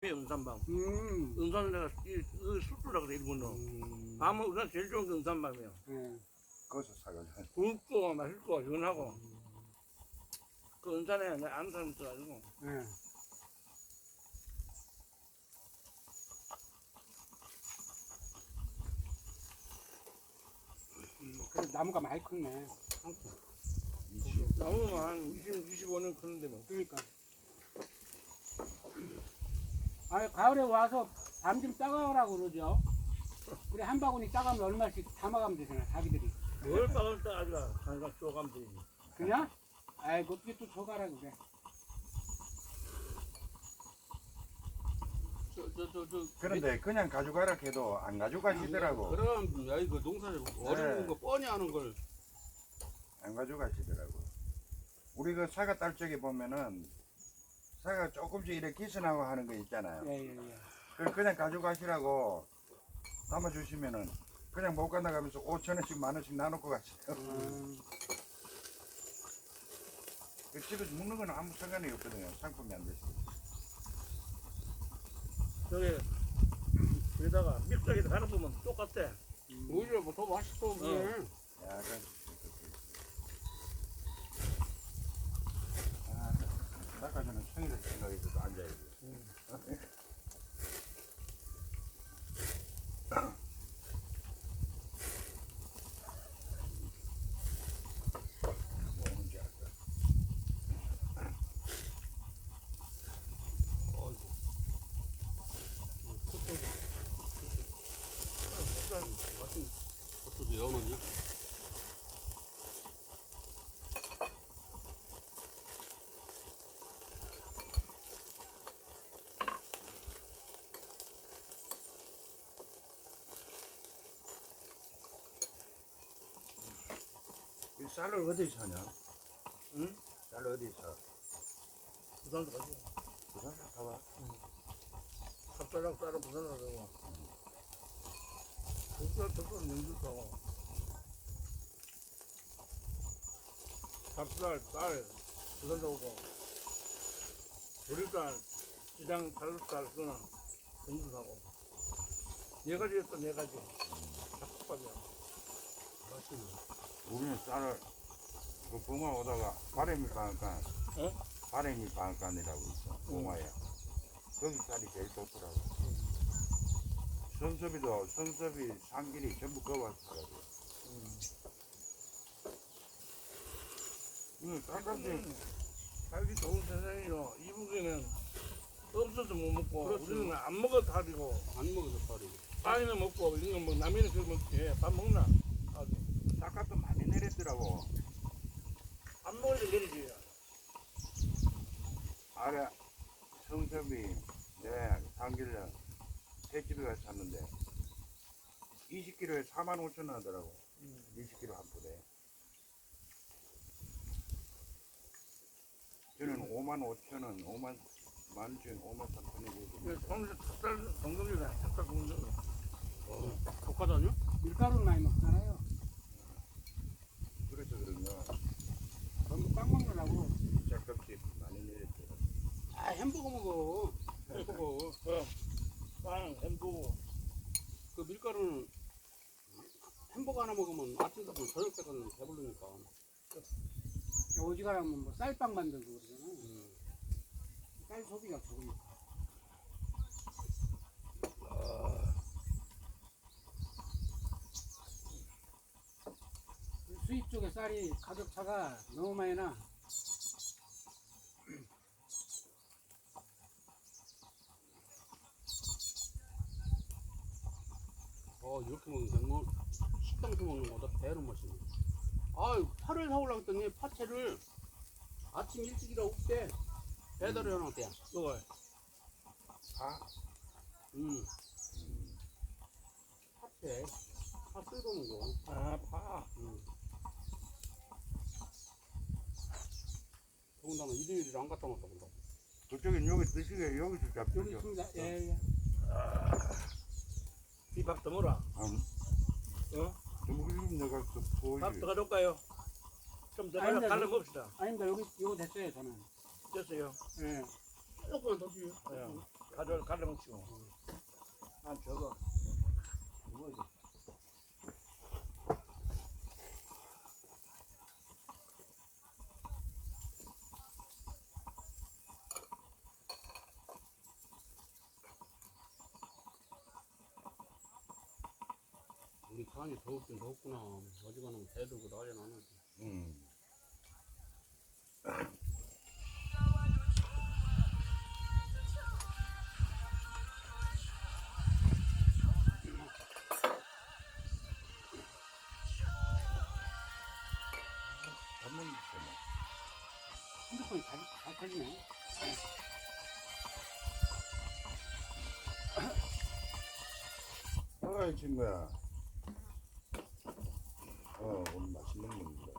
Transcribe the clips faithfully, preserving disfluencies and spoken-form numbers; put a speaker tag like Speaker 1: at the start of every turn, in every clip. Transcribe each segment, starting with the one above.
Speaker 1: 은산밤.
Speaker 2: 음.
Speaker 1: 은산은 내가 이, 이 숙주라 그래, 일본어.
Speaker 2: 음.
Speaker 1: 밤은 은산 제일 좋은 게 은산밤이야.
Speaker 2: 예.
Speaker 3: 거기서 사가지고.
Speaker 1: 굵고 맛있고 시원하고. 그 은산에 내 아는 사람 있어가지고.
Speaker 2: 예. 음, 그래 나무가 많이 컸네.
Speaker 3: 이십.
Speaker 1: 나무가 한 이십, 이십오 년 크는데 뭐.
Speaker 2: 그러니까. 아 가을에 와서 밤 좀 따가우라고 그러죠. 우리 한 바구니 따가면 얼마씩 담아가면 되잖아, 자기들이.
Speaker 1: 뭘 빠갈 때 아주가 한가 쪼가면 되지.
Speaker 2: 그냥? 아이고, 어떻게 또 저가라 그래.
Speaker 4: 저, 저, 저, 저.
Speaker 3: 그런데 그냥 가져가라 해도 안 가져가시더라고.
Speaker 4: 그럼, 야, 이거 농사를 어려운
Speaker 3: 네.
Speaker 4: 거 뻔히 하는 걸.
Speaker 3: 안 가져가시더라고. 우리 그 사과 딸 쪽에 보면은 사과 조금씩 이렇게 기선하고 하는 거 있잖아요.
Speaker 2: 예, 예, 예.
Speaker 3: 그걸 그냥 가져가시라고 담아주시면은 그냥 못 간다가면서 오천 원씩 만 원씩 나눠고 가시요.
Speaker 2: 음,
Speaker 3: 그 집에서 먹는 건 아무 상관이 없거든요. 상품이 안 되시고.
Speaker 1: 저기, 여기다가 믹서기에다 갈아 보면 똑같아.
Speaker 4: 오히려 뭐 더 맛있어, 그래.
Speaker 3: 약간 아, 아까 전에 청일을 생각해서 앉아야지. 뭐 오는지 알까?
Speaker 4: 어이구. 맛있네. 그것도 연어냐?
Speaker 3: 이 쌀을 어디서 사냐?
Speaker 1: 응?
Speaker 3: 쌀 어디서 사?
Speaker 1: 부산도 가지고.
Speaker 3: 부산에서 사와?
Speaker 1: 삽자랑 쌀은 부산으로 가고. 족살, 족살 명주 사고. 삽살, 쌀, 부산도 오고. 보리쌀, 시장 갈로쌀, 그거는 명주 사고. 네 가지 했어, 네 가지. 잡곡밥이야.
Speaker 4: 맛있네.
Speaker 3: 우리는 쌀을 그 봉화 오다가 바람이 가니까
Speaker 1: 어?
Speaker 3: 바람이 방간이라고 있어. 봉화에. 거기 쌀이 제일 좋더라고. 성섭이도 성섭이 상길이 전부 거와서 살아요. 응, 쌀값이
Speaker 1: 음, 살기 좋은 세상이요. 이북에는 없어서 못 먹고,
Speaker 4: 그렇죠.
Speaker 1: 우리는 안 먹어도 밥이고,
Speaker 4: 안 먹어서 파리.
Speaker 1: 빵이는 먹고, 이런 건 뭐, 남이는 그거 먹지. 밥 먹나? 아주.
Speaker 3: 쌀값도 많이 내렸더라고.
Speaker 1: 안 먹어도 내리지.
Speaker 3: 아래 성섭이 내 상길에 새집에 가서 샀는데 이십 킬로에 사만 오천 원 하더라고. 이십 킬로 한 푼에. 저는 오만 오천 원, 오만 만천, 오만 삼천에
Speaker 1: 그 동네 닭살 동동이다. 닭살 동동.
Speaker 4: 어, 독하다뇨?
Speaker 2: 밀가루는 많이 먹잖아요.
Speaker 3: 그래서 그런가
Speaker 2: 전부 꽉 먹느라고.
Speaker 3: 쌀값이 많이 내렸더라고.
Speaker 4: 아, 햄버거 먹어. 햄버거.
Speaker 1: 그 빵, 햄버거.
Speaker 4: 그 밀가루는 햄버거 하나 먹으면 아침부터 저녁 때까지 배부르니까.
Speaker 2: 오지가라면 뭐 쌀빵 만들고 그러잖아.
Speaker 4: 음.
Speaker 2: 쌀 소비가 적으니까. 수입 쪽에 쌀이 가격 차가 너무 많이 나.
Speaker 4: 어, 이렇게 먹는 게 뭐, 식당에서 먹는 거보다 배로 맛있네. 아유, 파를 사오려고 했더니 파채를 아침 일찍이라 없대. 배달을 해놨대.
Speaker 1: 먹어.
Speaker 3: 파?
Speaker 4: 음. 파채. 파 쓸고 먹어.
Speaker 1: 아, 파.
Speaker 4: 음. 더군다나 일요일에 안 갔다 왔다 본다.
Speaker 3: 그쪽엔 여기 드시게 여기서
Speaker 2: 여기
Speaker 3: 잡수죠.
Speaker 2: 있습니다. 예, 예.
Speaker 1: 비밥 더 먹어라.
Speaker 3: 음,
Speaker 1: 어?
Speaker 3: 좀 그리고 내가 그
Speaker 1: 밥
Speaker 3: 보이지.
Speaker 1: 더 가져올까요? 좀 더
Speaker 2: 아니,
Speaker 1: 가져,
Speaker 2: 근데
Speaker 1: 갈라
Speaker 2: 여기-
Speaker 1: 먹읍시다.
Speaker 2: 아닙니다. 여기, 이거 됐어요, 저는.
Speaker 1: 됐어요.
Speaker 2: 예.
Speaker 4: 조금만 더 주요.
Speaker 1: 예. 가져 가져먹지고. 난 저거 뭐지?
Speaker 4: 우리 강이 더웠긴 더웠구나. 어지간하면 배 들고 난리 나는데.
Speaker 3: 음. 한번 있잖아.
Speaker 2: 핸드폰이 잘, 잘 터지네.
Speaker 3: 아이 친구야. 어 오늘 맛있는 먹는다.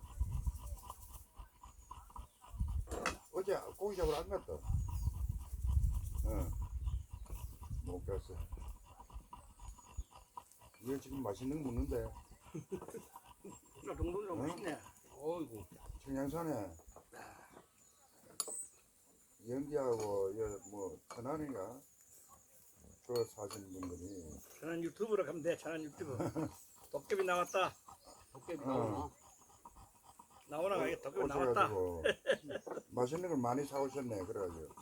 Speaker 3: 어제 고기 잡으러 안 갔다. 어못 갔어. 얘 지금 맛있는 거 먹는데
Speaker 1: 저 정도는 좀
Speaker 3: 응?
Speaker 1: 맛있네.
Speaker 4: 어이구.
Speaker 3: 청양산에 연기하고 여뭐 천안인가 그 사신 분들이
Speaker 1: 저는 유튜브로 가면 돼. 저는 유튜브. 도깨비 나왔다.
Speaker 4: 도깨비
Speaker 3: 어.
Speaker 4: 나오나?
Speaker 1: 나오나 가게 도깨비 나왔다.
Speaker 3: 오셔가지고 맛있는 걸 많이 사오셨네. 그래가지고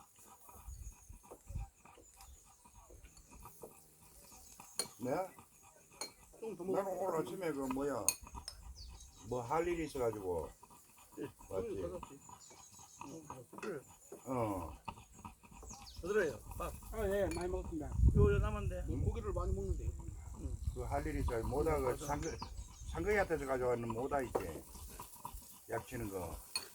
Speaker 3: 네?
Speaker 4: 좀더
Speaker 3: 나는
Speaker 4: 먹어.
Speaker 3: 오늘 아침에 그 뭐야 뭐 할 일이 있어가지고
Speaker 4: 좀
Speaker 3: 왔지.
Speaker 4: 받았지.
Speaker 1: 그래.
Speaker 3: 어
Speaker 1: 그래요. 밥.
Speaker 2: 아, 예, 많이 먹었습니다.
Speaker 1: 요요 남았는데.
Speaker 4: 고기를 많이 먹는데.
Speaker 3: 그 할 일이 있어 모다 그 상거 상거이한테서 가져왔는 모다 있지 약치는 거.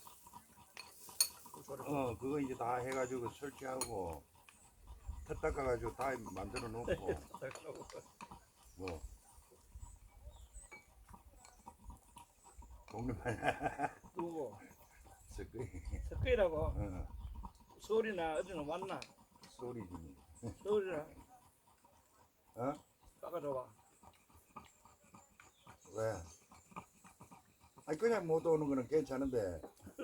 Speaker 3: 어 그거 이제 다 해가지고 설치하고 터 닦아가지고 다 만들어 놓고 뭐 동네
Speaker 1: 누구?
Speaker 3: 섞이
Speaker 1: 석회라고.
Speaker 3: 어
Speaker 1: 서울이나 어디는 왔나?
Speaker 3: 소리지
Speaker 1: 서울이나
Speaker 3: 어
Speaker 1: 깎아줘봐.
Speaker 3: 왜? 아니 그냥 못 오는 거는 괜찮은데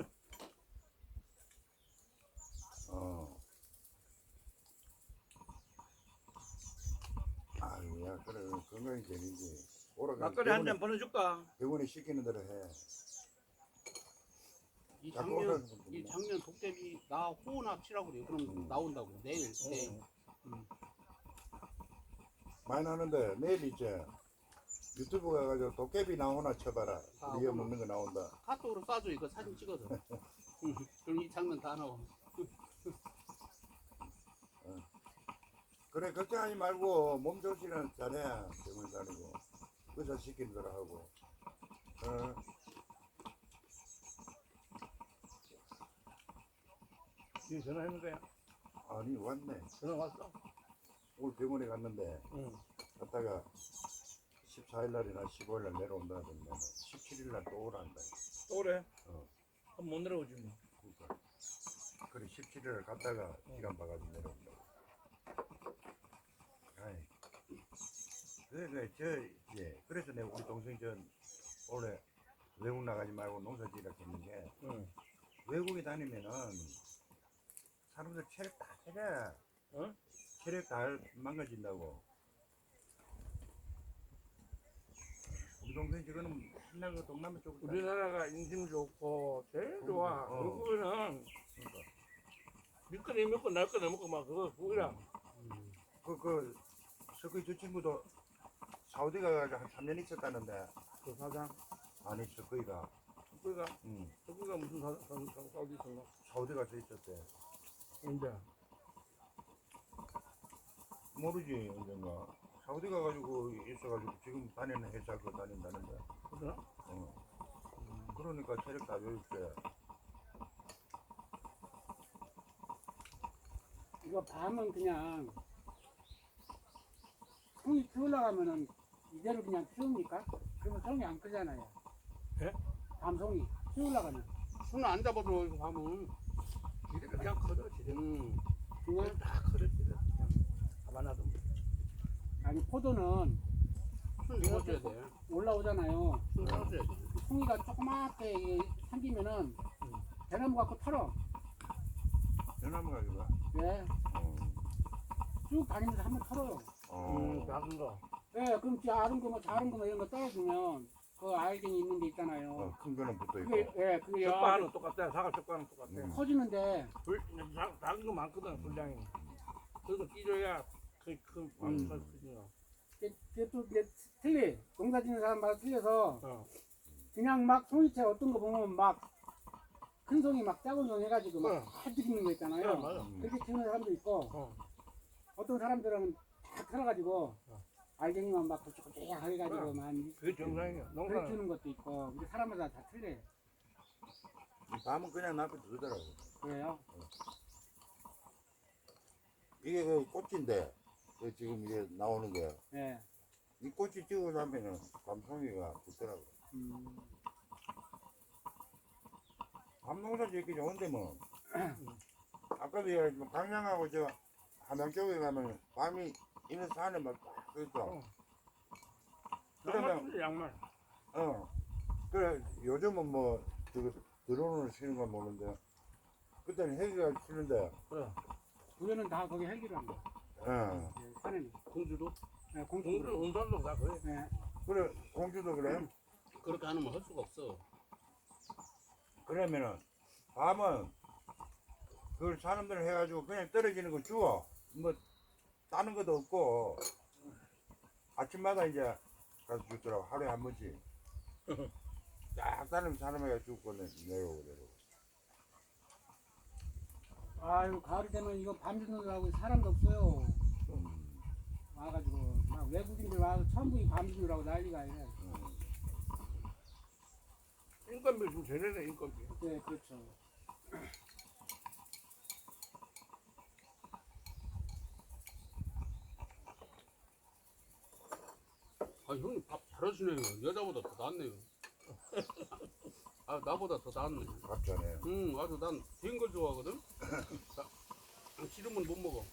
Speaker 3: 어 아유야 그래 건강이 제일이지 오라가
Speaker 1: 막걸리 한 잔 보내줄까?
Speaker 3: 병원에 시키는 대로 해
Speaker 4: 이
Speaker 3: 자꾸
Speaker 4: 작년
Speaker 3: 오라는
Speaker 4: 이
Speaker 3: 거구나.
Speaker 4: 작년 도깨비 나 호흡 치라고 그래요. 그럼
Speaker 3: 음.
Speaker 4: 나온다고 내일 내일.
Speaker 1: 응.
Speaker 3: 많이 나는데 내일 이제 유튜브 가가지고 도깨비 나오나 쳐봐라
Speaker 4: 아,
Speaker 3: 우리 여
Speaker 4: 오늘.
Speaker 3: 먹는 거 나온다
Speaker 4: 카톡으로 쏴줘 이거 사진 찍어서. 응. 그럼 이 장면 다 나와.
Speaker 3: 그래 걱정하지 말고 몸 조심은 잘해 병원 다니고 의사 시키는 대로 하고 어.
Speaker 1: 니 전화했는 거야?
Speaker 3: 아니 왔네
Speaker 1: 전화 왔어?
Speaker 3: 오늘 병원에 갔는데
Speaker 1: 응.
Speaker 3: 갔다가 십사일 날이나 십오일 날 내려온다 하던데 십칠일 날 또 오란다
Speaker 1: 또 그래?
Speaker 3: 어.
Speaker 1: 그럼 못 내려오지 뭐.
Speaker 3: 그러니까 그래 십칠일 날 갔다가 시간 봐가지고 내려온다 아이 그래 그래 저 예. 그래서 내가 우리 동생이 전 원래 외국 나가지 말고 농사지으라 했는 게
Speaker 1: 응.
Speaker 3: 외국에 다니면은 사람들 체력 다 해라
Speaker 1: 어?
Speaker 3: 체력 다 망가진다고 우리 동생 지금은 맨날 그 동남아 쪽으로 다니-
Speaker 1: 우리나라가 인심 좋고 제일 좋아.
Speaker 3: 어.
Speaker 1: 외국에는
Speaker 3: 그러니까.
Speaker 1: 밀거리 먹고 날거리 먹고 막 그거 그거야.
Speaker 4: 음.
Speaker 3: 그, 그, 석의 저 친구도 사우디 가가지고 한 삼 년 있었다는데,
Speaker 1: 그 사장.
Speaker 3: 아니, 석의가,
Speaker 1: 그거가
Speaker 3: 응,
Speaker 1: 그거가 무슨 사장 사장 사우디 있었나?
Speaker 3: 사우디 가서 있었대.
Speaker 1: 언제?
Speaker 3: 모르지, 언젠가. 사우디 가가지고 있어가지고 지금 다니는 회사 그 다닌다는데,
Speaker 1: 그러나?
Speaker 3: 어. 그러니까 체력 다 요일때,
Speaker 2: 이거 밤은 그냥 송이 키우려면은 이대로 그냥 키웁니까? 그러면 송이 안 크잖아요.
Speaker 1: 예?
Speaker 2: 밤송이 키우려면
Speaker 4: 손을 안 잡아줘 이거 밤은.
Speaker 1: 지대가 그냥 커져 지대.
Speaker 4: 음.
Speaker 2: 그냥
Speaker 1: 다 커져 지대. 그냥 가만 놔도.
Speaker 2: 아니 포도는
Speaker 4: 손 잡아줘야 돼.
Speaker 2: 올라오잖아요.
Speaker 4: 손 잡아줘야 돼.
Speaker 2: 송이가 조그맣게 이게 생기면은 대나무 갖고 털어.
Speaker 3: 대나무 가지고,
Speaker 2: 왜?
Speaker 3: 어.
Speaker 2: 쭉 다니면서 한번 털어요.
Speaker 1: 음,
Speaker 3: 어.
Speaker 1: 작은 거.
Speaker 2: 예, 그럼 작은 거, 뭐 작은 거, 뭐 이런 거 떨어주면 그 알갱이 있는 데 있잖아요.
Speaker 3: 어, 큰 거는 붙어
Speaker 2: 그게
Speaker 3: 있고.
Speaker 2: 예, 그게
Speaker 1: 적과는 똑같아. 사과 적과는 똑같아.
Speaker 3: 음.
Speaker 2: 커지는데
Speaker 1: 불, 작, 작은 거 많거든, 분량이. 그래서 끼줘야 그, 그, 그,
Speaker 3: 음.
Speaker 1: 그,
Speaker 2: 그게 그게 또 이제 틀리. 농사 짓는 사람마다 틀려서
Speaker 1: 어.
Speaker 2: 그냥 막 송이채 어떤 거 보면 막 큰 송이 막 작은 송이 해가지고 막
Speaker 1: 어.
Speaker 2: 다 들이는 거 있잖아요.
Speaker 1: 그래, 맞아.
Speaker 3: 음.
Speaker 2: 그렇게 키우는 사람도 있고
Speaker 1: 어.
Speaker 2: 어떤 사람들은 다 털어가지고
Speaker 1: 어.
Speaker 2: 알갱이만 막 고추고추하게 해가지고 만
Speaker 1: 그게 정상이야.
Speaker 2: 그렇게
Speaker 1: 농사는.
Speaker 2: 키우는 것도 있고 근데 사람마다 다 틀려요.
Speaker 3: 밤은 그냥 놔둬 두더라고.
Speaker 2: 그래요?
Speaker 3: 이게 그 꽃인데 그 지금 이게 나오는 게 이
Speaker 2: 예.
Speaker 3: 꽃이 찍어 나면은 밤송이가 붙더라고.
Speaker 2: 음.
Speaker 3: 밤농사 짓기 좋은데 뭐. 아까도 얘기했지만 강양하고 저 함양 쪽에 가면 밤이 있는 산에 막딱 있어.
Speaker 1: 어.
Speaker 3: 그러면
Speaker 1: 양말, 양말.
Speaker 3: 어. 그래 요즘은 뭐 저거 드론으로 치는 건 모르는데 그때는 헬기가 치는데.
Speaker 1: 그래.
Speaker 2: 우리는 다 거기 헬기로 한 거.
Speaker 3: 어.
Speaker 2: 예, 산에는.
Speaker 4: 공주도
Speaker 2: 예,
Speaker 1: 공주,
Speaker 2: 공중으로.
Speaker 1: 운산도 다 그래.
Speaker 2: 예.
Speaker 3: 그래 공주도 그래.
Speaker 4: 그렇게 안 하면 할 수가 없어.
Speaker 3: 그러면은 밤은 그걸 사람들 해가지고 그냥 떨어지는 거 주워. 뭐 따는 것도 없고 아침마다 이제 가서 주더라고. 하루에 한 번씩. 딱 따는 사람에게 주고 내- 내려오고 내려오고.
Speaker 2: 아유 가을이 되면 이거 밤 주느라고 사람도 없어요.
Speaker 3: 음,
Speaker 2: 와가지고 막 외국인들 와서 처음 보기 밤 주느라고 난리가 아니라.
Speaker 3: 음.
Speaker 1: 인건비 좀 제대로 인건비.
Speaker 2: 네, 그렇죠.
Speaker 4: 아 형님 밥 잘하시네요. 여자보다 더 낫네요. 아 나보다 더 낫네.
Speaker 3: 갑자네.
Speaker 4: 응 아주 난 된 걸 좋아하거든. 나, 싫으면 못 먹어.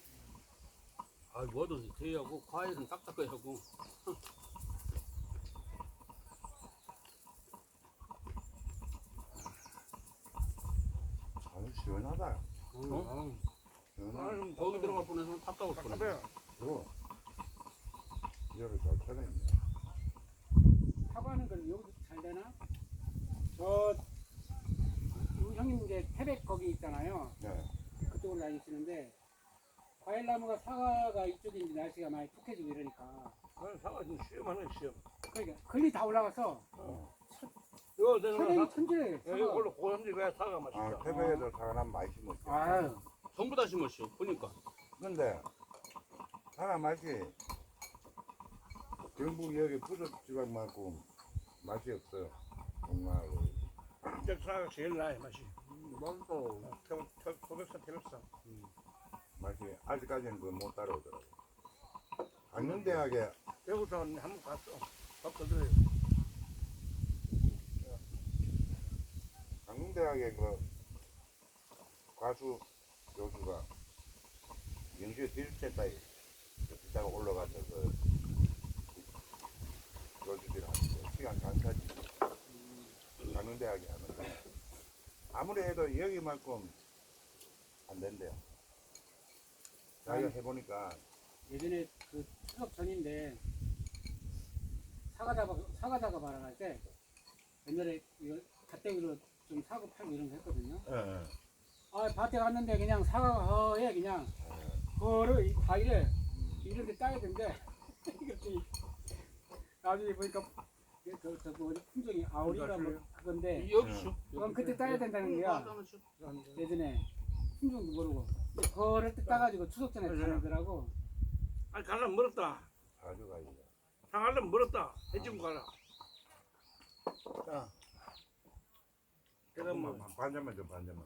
Speaker 4: 아 뭐든 대하고 과일은 딱딱하게 하고.
Speaker 3: 아주 시원하다.
Speaker 4: 어?
Speaker 3: 시원하다.
Speaker 1: 아유,
Speaker 4: 거기 들어갈 뻔해서 답답할 뻔해.
Speaker 1: 답답해.
Speaker 3: 그리고 이거를 잘 찾아있네.
Speaker 2: 사과는 그 여기서 잘 되나? 저 우리 형님 이제 태백 거기 있잖아요.
Speaker 3: 네.
Speaker 2: 그쪽으로 다니시는데 과일나무가 사과가 이쪽인지 날씨가 많이 푹해지고 이러니까
Speaker 1: 나는 사과 지금 시험하는 시험.
Speaker 2: 그러니까 글이 다 올라가서
Speaker 3: 어.
Speaker 1: 이거 내가
Speaker 2: 천연이
Speaker 1: 사-
Speaker 2: 천지래.
Speaker 1: 여기 원래 고현지 왜 사과
Speaker 3: 아,
Speaker 1: 맛있어?
Speaker 3: 태백에도 사람 많이 심었지.
Speaker 2: 아유,
Speaker 4: 전부 다 심었어. 보니까.
Speaker 3: 근데 사람 맛이 경북 여기 부서 지방만큼 맛이 없어요. 정말
Speaker 1: 진짜 사과 제일 나아 맛이. 맛도 태백산 태백산.
Speaker 3: 맛이 아직까지는 그 못 따라오더라고. 강릉대학에
Speaker 1: 대구산 한번 갔어. 밥 거들어요.
Speaker 3: 강릉대학에 그 가수 교수가 영주에 디지털다이 기타가 올라가서 그 교수들 하는데 시간 강사지. 강릉대학에 하는데 아무리 해도 여기만큼 안 된대요. 자기가 해보니까
Speaker 2: 예전에 그 추석 전인데 사과 잡아 사과 잡아 말아갈 때 옛날에 이거 갓대기로 좀 사고 팔고 이런 거 했거든요.
Speaker 3: 예, 예.
Speaker 2: 아 밭에 갔는데 그냥 사과가 허해 그냥
Speaker 3: 예.
Speaker 2: 그거를 이 과일을 이런 데 따야 되는데 이것이 나중에 보니까 저, 저 뭐지 품종이 아우리가 뭐 그건데
Speaker 4: 여기 쇼.
Speaker 2: 그건 그때 따야 된다는
Speaker 4: 응,
Speaker 2: 거야.
Speaker 4: 맞아, 쇼.
Speaker 2: 예전에 품종도 모르고 근데 그거를 뜯 따가지고 추석 전에 가더라고.
Speaker 1: 아니 가려면 멀었다.
Speaker 3: 아주 가지고.
Speaker 1: 상하려면 멀었다. 해지고 가라. 자. 내가 뭐
Speaker 3: 반잔만 좀 반잔만.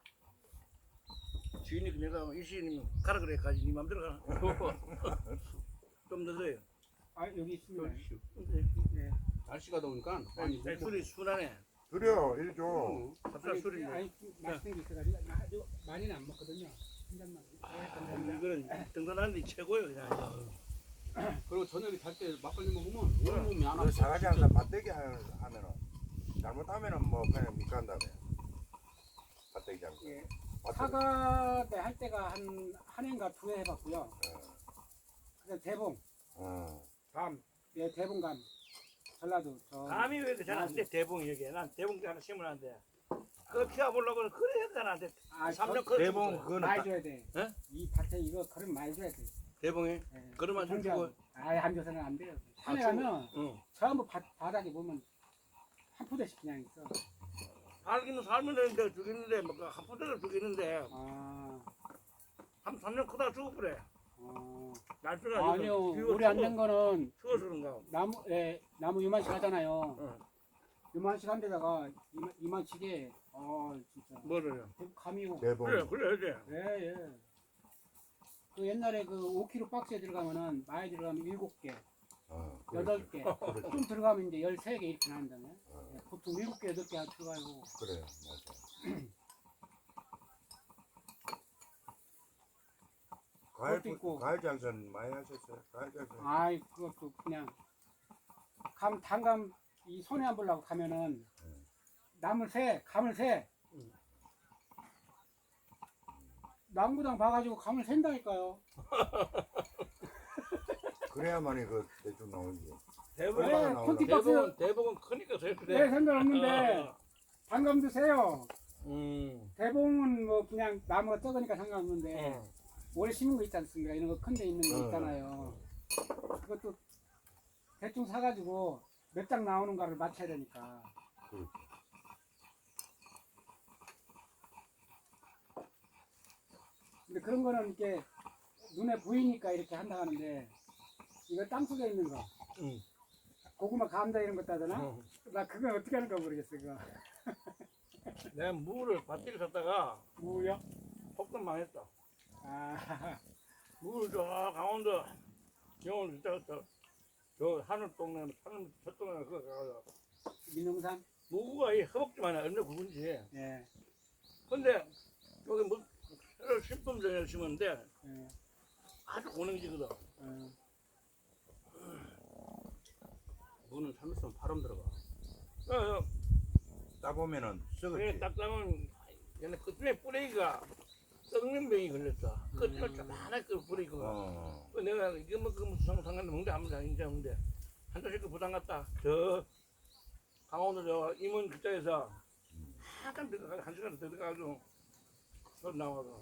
Speaker 1: 주인이 내가 이시님 가라 그래 가지 니 맘대로 가라. 좀 늦어요.
Speaker 2: 아 여기 있습니다.
Speaker 4: 여기 쇼.
Speaker 2: 네.
Speaker 4: 날씨가 더우니까 많이
Speaker 1: 아니
Speaker 4: 먹고.
Speaker 1: 술이 순하네.
Speaker 3: 그래요, 일 줘.
Speaker 4: 응.
Speaker 1: 갑자기
Speaker 2: 아니,
Speaker 1: 술이
Speaker 2: 아니 좀 맛있는 게 있어가지고 나 이거 많이는 안 먹거든요. 한 잔만.
Speaker 1: 뭐. 이거는 등산하는데 최고예요 그냥.
Speaker 4: 그리고 저녁에 잘 때 막걸리 먹으면 온몸이 안
Speaker 3: 그
Speaker 4: 아파.
Speaker 3: 사가지 항상 밭대기 하- 하면은 잘못하면은 뭐 그냥 밑간다며. 밭대기 장사.
Speaker 2: 예. 사과대 할 때가 한, 한 해인가 두 해 해봤고요. 그래서 대봉,
Speaker 3: 어.
Speaker 1: 감.
Speaker 2: 예, 대봉감. 전라도. 저,
Speaker 1: 감이 왜 이렇게 잘안 돼? 대봉이 여기. 난 대봉 하나 심으면 안 돼. 그거 키워보려고 그래 해도 잘안 돼.
Speaker 2: 아,
Speaker 1: 삼
Speaker 2: 저,
Speaker 1: 년 커.
Speaker 3: 대봉 그거는
Speaker 2: 많이
Speaker 3: 딱-
Speaker 2: 줘야 돼.
Speaker 1: 예?
Speaker 2: 이 밭에 이거 걸음 많이 줘야 돼.
Speaker 1: 대봉이.
Speaker 2: 예.
Speaker 1: 그러면 좀
Speaker 2: 공장.
Speaker 1: 주고.
Speaker 2: 아예 안 줘서는 안 돼요. 산에
Speaker 1: 아,
Speaker 2: 가면
Speaker 1: 응.
Speaker 2: 전부 바, 바닥에 보면 한 포대씩 그냥 있어.
Speaker 1: 살기는 살면 되는데 죽이는데 뭐한 푼대를 죽이는데
Speaker 2: 아,
Speaker 1: 한 삼 년 크다가 죽어버려.
Speaker 2: 어.
Speaker 1: 날씨가
Speaker 2: 아니요, 우리 안 된 거는
Speaker 1: 추워서 그런가.
Speaker 2: 나무, 예, 나무 요만씩 하잖아요.
Speaker 1: 응.
Speaker 2: 요만씩 한 데다가 이만, 이만치게, 어, 진짜.
Speaker 1: 뭐를.
Speaker 2: 감이고.
Speaker 3: 대봉.
Speaker 1: 그래 그래 그래.
Speaker 2: 예, 예. 그 옛날에 그 오 킬로그램 박스에 들어가면은 많이 들어가면 일곱 개,
Speaker 3: 어,
Speaker 2: 여덟 개,
Speaker 3: 그렇지.
Speaker 2: 좀 들어가면 이제 열세 개 이렇게 나온다며.
Speaker 3: 어,
Speaker 2: 예, 보통 일곱 개, 여덟 개 들어가고.
Speaker 3: 그래 맞아. 과일
Speaker 2: 그것도 있고.
Speaker 3: 과일 장사는 많이 하셨어요? 과일 장사.
Speaker 2: 아이, 그것도 그냥 감, 단감 이 손에 안 보려고 가면은 남을 새, 감을 새.
Speaker 1: 응.
Speaker 2: 남부당 봐가지고 감을 샌다니까요.
Speaker 3: 그래야만이 그 대충 나오지.
Speaker 1: 대봉.
Speaker 2: 네,
Speaker 3: 나오려고.
Speaker 2: 콘티-
Speaker 1: 대봉은 대봉은 크니까 더
Speaker 2: 네,
Speaker 1: 그래.
Speaker 2: 상관없는데 단감도 세요.
Speaker 1: 음.
Speaker 2: 대봉은 뭐 그냥 나무가 적으니까 상관없는데
Speaker 1: 응.
Speaker 2: 오래 심은 거 있지 않습니까? 이런 거 큰 데 있는 거
Speaker 3: 어.
Speaker 2: 있잖아요. 그것도 대충 사가지고 몇 장 나오는가를 맞춰야 되니까.
Speaker 3: 그렇지.
Speaker 2: 근데 그런 거는 이렇게 눈에 보이니까 이렇게 한다 하는데 이거 땅속에 있는 거
Speaker 1: 응.
Speaker 2: 고구마 감자 이런 거 따잖아?
Speaker 1: 응.
Speaker 2: 나 그건 어떻게 하는가 모르겠어 그거.
Speaker 1: 내가 무를 밭에 샀다가
Speaker 2: 뭐야?
Speaker 1: 폭탄 망했다.
Speaker 2: 아,
Speaker 1: 무를 저 강원도 영월 저저 저 하늘 동네 하늘 저 동네 그거 가서
Speaker 2: 민농산?
Speaker 1: 무가 이 허벅지만 얼마나 굵은지.
Speaker 2: 예.
Speaker 1: 근데 여기 뭐 새로 신품종을 심었는데
Speaker 2: 예.
Speaker 1: 아주 고능지거든.
Speaker 2: 어.
Speaker 4: 무는 잘못하면 바람 들어가.
Speaker 1: 어, 어,
Speaker 3: 따보면은
Speaker 1: 그래
Speaker 3: 썩었지.
Speaker 1: 딱 따면 얘네 끝에 뿌리가 썩는 병이 걸렸어. 끝에
Speaker 2: 음.
Speaker 1: 조그만하게 그 뿌리가.
Speaker 3: 어.
Speaker 1: 그 내가 이게 뭐그 무슨 상관도 뭔데 아무도 아닌지 아는데 한 달씩 그 부담 갔다. 저 강원도 저 임원 그쪽에서 한참 들어가 한 시간 들어가가지고 저 나와서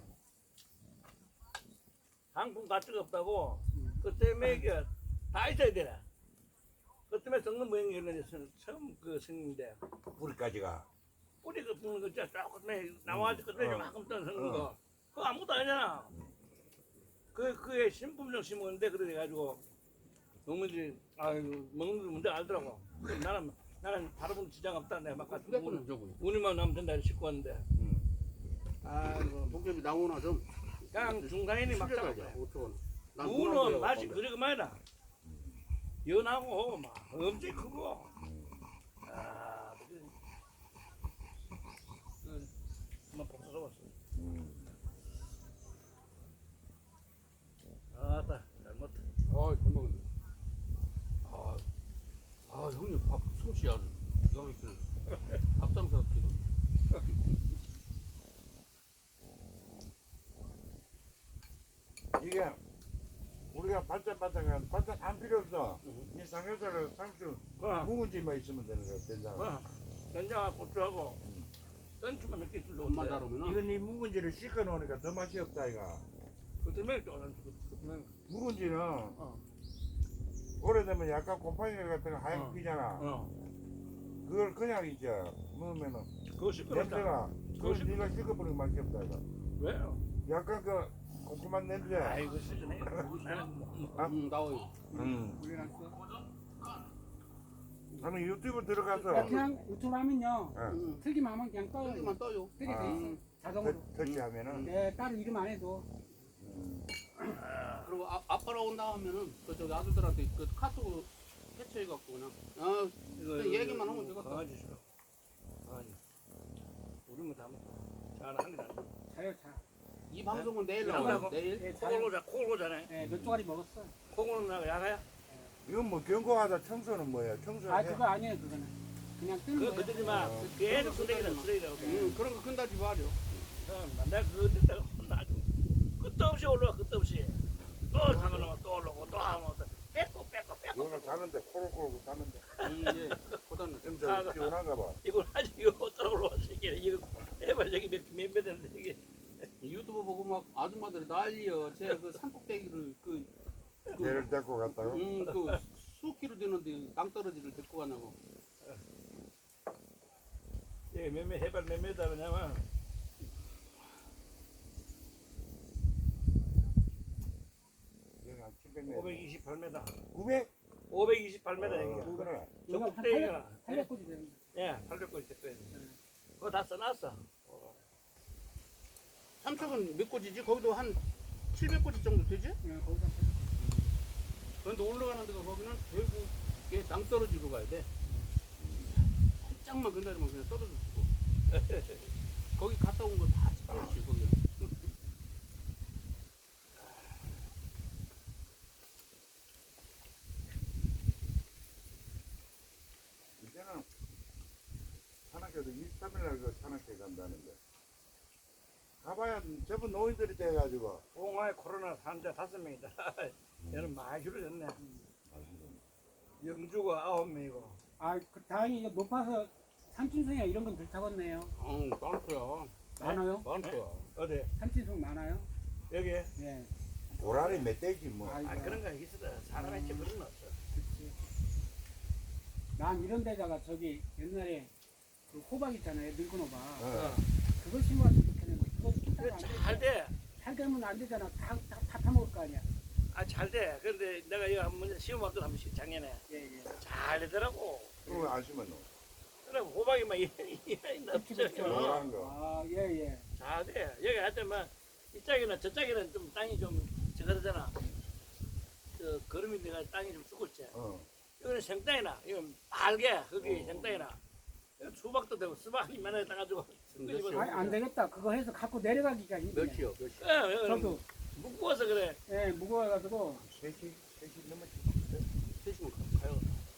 Speaker 1: 상품 가치가 없다고
Speaker 2: 음.
Speaker 1: 그 때문에 이게 다 있어야 되나. 그 때문에 썩는 모양이 걸렸는데 처음 그 생긴데
Speaker 3: 뿌리까지가.
Speaker 1: 뿌리 그 부는 거 진짜 조금 나와가지고 그때
Speaker 3: 어.
Speaker 1: 조금 떠 생긴
Speaker 3: 어.
Speaker 1: 거 그거 아무것도 아니잖아. 그 그게 신품종 심었는데 그래 가지고 농민들이 아이고 먹는 거 문제 알더라고. 그래서 나는 나는 다른 분 지장 없다 내가 막 같은
Speaker 4: 휴대폰은 저거.
Speaker 1: 운이만 나면 된다 이렇게 싣고 왔는데
Speaker 3: 응.
Speaker 1: 아이고
Speaker 4: 목재비 나오나 좀.
Speaker 1: 그냥 중간인이 막 잡아줘.
Speaker 4: 어쩌고.
Speaker 1: 무는 맛이 그리고 말이다. 연하고 막 엄청 크고 아 그- 그 한번 복잡했어.
Speaker 3: 음.
Speaker 1: 아따 잘못.
Speaker 4: 아, 잘 먹었네. 아, 아 형님 밥 솜씨 아주 기가 막히네. 밥상사 기가.
Speaker 3: 이게 우리가 반찬반찬 반찬 안 필요 없어. 이 삼겹살을 상추
Speaker 1: 와.
Speaker 3: 묵은지만 있으면 되는 거야. 된장.
Speaker 1: 와, 된장하고 고추하고 땡초만 몇 개 있으면
Speaker 4: 엄마
Speaker 1: 좋은데
Speaker 4: 다루면은.
Speaker 3: 이건 이 묵은지를 씻어 놓으니까 더 맛이 없다 이가.
Speaker 1: 그 때문에 좀 그 때문에
Speaker 3: 묵은지는
Speaker 1: 어,
Speaker 3: 오래되면 약간 곰팡이 같은 거 하얗게
Speaker 1: 어.
Speaker 3: 피잖아.
Speaker 1: 어
Speaker 3: 그걸 그냥 이제 먹으면은
Speaker 1: 그거 시끄럽다.
Speaker 3: 냄새가 그걸
Speaker 1: 그거
Speaker 3: 네가 씻어버리면 맛이 없다 이가.
Speaker 1: 왜요?
Speaker 3: 약간 그 곰곰한 냄새.
Speaker 1: 아이고 시즌에 나는 뭐-
Speaker 3: 아.
Speaker 4: 음, 나와요.
Speaker 3: 음.
Speaker 2: 올려놨어.
Speaker 3: 아니 유튜브 들어가서
Speaker 2: 야, 그냥 유튜브 하면요.
Speaker 3: 예,
Speaker 4: 음,
Speaker 2: 틀기만 하면 그냥 떠요.
Speaker 4: 여기만 떠요.
Speaker 2: 뜨게
Speaker 3: 아.
Speaker 2: 돼 있어. 자동으로.
Speaker 3: 터- 터치하면은
Speaker 2: 네, 따로 이름 안 해도.
Speaker 4: 그리고 아, 아빠로 온다 하면은 그 저기 아들들한테 그 카톡 해체해갖고 그냥 아
Speaker 1: 이거
Speaker 4: 그냥 얘기만 하면 되겠다.
Speaker 1: 강아지 싫어. 강아지. 우리는 다 잘하는 게 아니야.
Speaker 2: 자요, 자.
Speaker 4: 이 방송은 내일
Speaker 1: 네.
Speaker 4: 나와요.
Speaker 1: 나가고.
Speaker 4: 내일.
Speaker 2: 네,
Speaker 1: 콩을
Speaker 2: 자요.
Speaker 1: 오자, 콩을 오자네.
Speaker 2: 네, 몇 조가리 먹었어.
Speaker 1: 콩은 나가 야가야.
Speaker 3: 이건 뭐 경고하다 청소는 뭐야? 청소해.
Speaker 2: 아, 그거 아니에요, 그거는. 그냥 뜨는
Speaker 1: 그거
Speaker 2: 거예요.
Speaker 1: 건드지 마.
Speaker 3: 어.
Speaker 1: 계속 쓰레기다, 쓰레기다.
Speaker 4: 음, 그런 거 큰다지 말이요.
Speaker 1: 응, 내가 그거 듣다가 아주 끝도 없이 올라와 끝도 없이 또 사면 또 올라오고 또 하면 또 뺏고 뺏고 뺏고
Speaker 3: 이거는 자는데 코를 골고 자는데
Speaker 4: 음, 예. 보다는
Speaker 3: 좀 저 피곤한가 봐.
Speaker 1: 이걸 아직 이거 어쩌고 올라왔어 이게 이거 해봐 저기 몇몇 되는데 이게
Speaker 4: 유튜브 보고 막 아줌마들이 난리여. 제가 그 산꼭대기를 그, 그,
Speaker 3: 얘를 데리고 갔다고.
Speaker 4: 음, 그 수키로 되는데 땅떨어지를 데리고 가냐고.
Speaker 1: 이게 몇몇 해발 몇 메다 그냐면
Speaker 3: 여기 한 칠백 미터.
Speaker 1: 오백이십팔 미터
Speaker 3: 구백?
Speaker 1: 오백이십팔 미터
Speaker 3: 어,
Speaker 1: 여기가
Speaker 3: 그래.
Speaker 1: 저
Speaker 2: 이거 한
Speaker 1: 꼭대기가
Speaker 2: 팔백 고지 되는
Speaker 1: 예 팔백 골 됐거든 그거 다 써놨어
Speaker 4: 삼척은 몇 고지지? 거기도 한 칠백 고지 정도 되지?
Speaker 2: 예, 거기다
Speaker 4: 그런데 올라가는 데가 거기는 결국에 땅떨어지로 가야 돼. 살짝만 건드리면 그냥 떨어져 죽고. 거기 갔다 온 거 다 찍혔지, 거기.
Speaker 3: 이제는 산악회도 이십삼 일날 그 산악회 간다는데. 가봐야 저분 노인들이 돼가지고.
Speaker 1: 봉화에 코로나 환자 다섯 명이다 얘는 많이 줄어졌네 영주가 아홉 명이고
Speaker 2: 아, 그 다행히 이거 높아서 삼진성이나 이런 건 덜 타겠네요.
Speaker 4: 응, 많고요.
Speaker 2: 많아요?
Speaker 4: 많고요.
Speaker 1: 어디
Speaker 2: 삼진성 많아요?
Speaker 1: 여기
Speaker 2: 예.
Speaker 3: 고라니 멧돼지 뭐.
Speaker 2: 아이고.
Speaker 1: 아 그런 거 있어 사람의 집 그런 거 없어
Speaker 2: 그치. 난 이런 데다가 저기 옛날에 그 호박 있잖아요, 늙은 호박.
Speaker 3: 어.
Speaker 2: 그거 심어왔으면 좋겠는데 그거
Speaker 1: 그래
Speaker 2: 안
Speaker 1: 잘돼
Speaker 2: 잘 되면 안 되잖아. 다, 다, 다 타먹을 거 아니야.
Speaker 1: 아 잘돼 근데 내가 이거 한번 시험했거든 한 번씩 작년에
Speaker 2: 예, 예.
Speaker 1: 잘 되더라고
Speaker 3: 그거 안 심었노?
Speaker 1: 그래 호박이 막 이래
Speaker 2: 그치, 그치.
Speaker 1: 없어
Speaker 3: 노란 거.
Speaker 2: 아, 예, 예.
Speaker 1: 잘돼 여기 하여튼 막 이쪽에는 저쪽에는 좀 땅이 좀 저거잖아 저 거름이 내가 땅이 좀 죽었지
Speaker 3: 어.
Speaker 1: 이거는 생땅이나 이건 빨개 거기
Speaker 3: 어.
Speaker 1: 생땅이나 이거 수박도 되고 수박 이만해 따가지고
Speaker 4: 몇이요?
Speaker 2: 아니, 안 되겠다. 그거 해서 갖고 내려가기가 힘드네.
Speaker 4: 몇이요, 몇이?
Speaker 2: 저도,
Speaker 1: 묶어서 그래
Speaker 2: 예, 무거워가지고,
Speaker 3: 셋이, 셋이 넘었지.
Speaker 4: 셋이면 가요.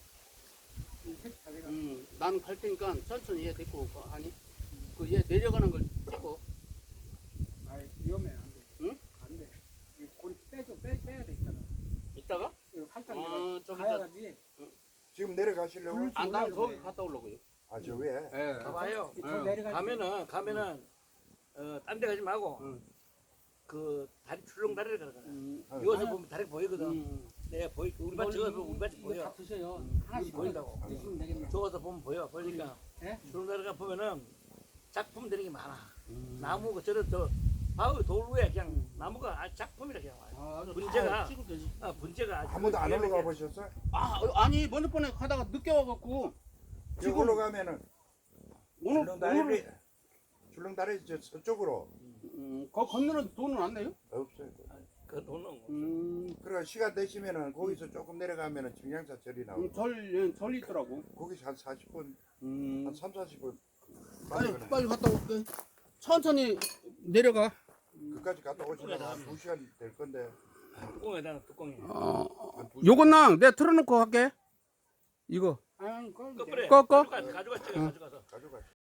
Speaker 2: 이 색 자기가.
Speaker 4: 음, 나는 갈 테니까 천천히 얘 데리고 가. 아니, 그 얘 내려가는 걸 찍고.
Speaker 2: 아이, 위험해, 안 돼.
Speaker 4: 응?
Speaker 2: 안 돼. 이 고리 빼줘, 빼, 빼야 돼, 있잖아.
Speaker 4: 이따가?
Speaker 2: 이거 살짝
Speaker 4: 아,
Speaker 2: 내가
Speaker 4: 저기
Speaker 2: 가야지.
Speaker 3: 지금 내려가시려고?
Speaker 2: 물-
Speaker 4: 아, 난
Speaker 2: 올라가요.
Speaker 4: 저기 갔다 오려고요.
Speaker 3: 아, 저 위에?
Speaker 4: 예.
Speaker 1: 가봐요
Speaker 2: 저
Speaker 4: 응.
Speaker 2: 내려가지.
Speaker 1: 가면은 가면은 어, 딴 데 가지 말고
Speaker 4: 응.
Speaker 1: 그 다리 출렁 다리를 가라
Speaker 4: 음,
Speaker 3: 어.
Speaker 1: 여기서
Speaker 2: 아니,
Speaker 1: 보면 다리 보이거든
Speaker 4: 음.
Speaker 1: 내가 보이 우리 밭 저기서 보면 우리 밭이
Speaker 2: 이거
Speaker 1: 보여
Speaker 2: 다 드셔요.
Speaker 1: 음,
Speaker 2: 하나씩
Speaker 1: 보인다고.
Speaker 2: 드시면 되겠네.
Speaker 1: 저기서 보면 보여 보니까
Speaker 2: 예?
Speaker 1: 출렁 다리가 보면은 작품 들이 많아
Speaker 4: 음.
Speaker 1: 나무가 저런 저 바위 돌 위에 그냥 나무가 아주 작품이라 그냥 와요
Speaker 4: 아,
Speaker 1: 분재가-
Speaker 4: 다 찍을 때지.
Speaker 1: 아 분재가 아주
Speaker 3: 아무도 안
Speaker 1: 위험해.
Speaker 3: 올라가 보셨어?
Speaker 4: 아, 어, 아니, 먼저 번에 가다가 늦게 와갖고.
Speaker 3: 지금 올라가면은
Speaker 4: 오늘,
Speaker 3: 줄렁다리,
Speaker 4: 오늘,
Speaker 3: 줄렁다리 저 서쪽으로
Speaker 4: 음, 거 건너는 돈은 안 내요?
Speaker 3: 없어요.
Speaker 1: 그 돈은 없어.
Speaker 4: 음,
Speaker 3: 그러니까 시간 되시면은 거기서 조금 내려가면은 청량사 절이 나오고
Speaker 4: 음, 절, 예, 절이 있더라고.
Speaker 3: 거기서 한 사십 분,
Speaker 4: 음,
Speaker 3: 한 삼, 사십 분
Speaker 4: 빨리,
Speaker 3: 빨리
Speaker 4: 빨리 갔다 올게. 천천히 내려가.
Speaker 3: 그까지 갔다 오시면 한두 시간 될 건데
Speaker 1: 뚜껑에다가 뚜껑에
Speaker 4: 어,
Speaker 3: 한 두 시간
Speaker 4: 요건 내가 틀어놓고 갈게. 이거.
Speaker 2: 아니, 그걸
Speaker 1: 꺼버려
Speaker 4: 꺼, 꺼.
Speaker 1: 가져가 가져가
Speaker 4: 응.
Speaker 1: 가져가서
Speaker 3: 가져가시.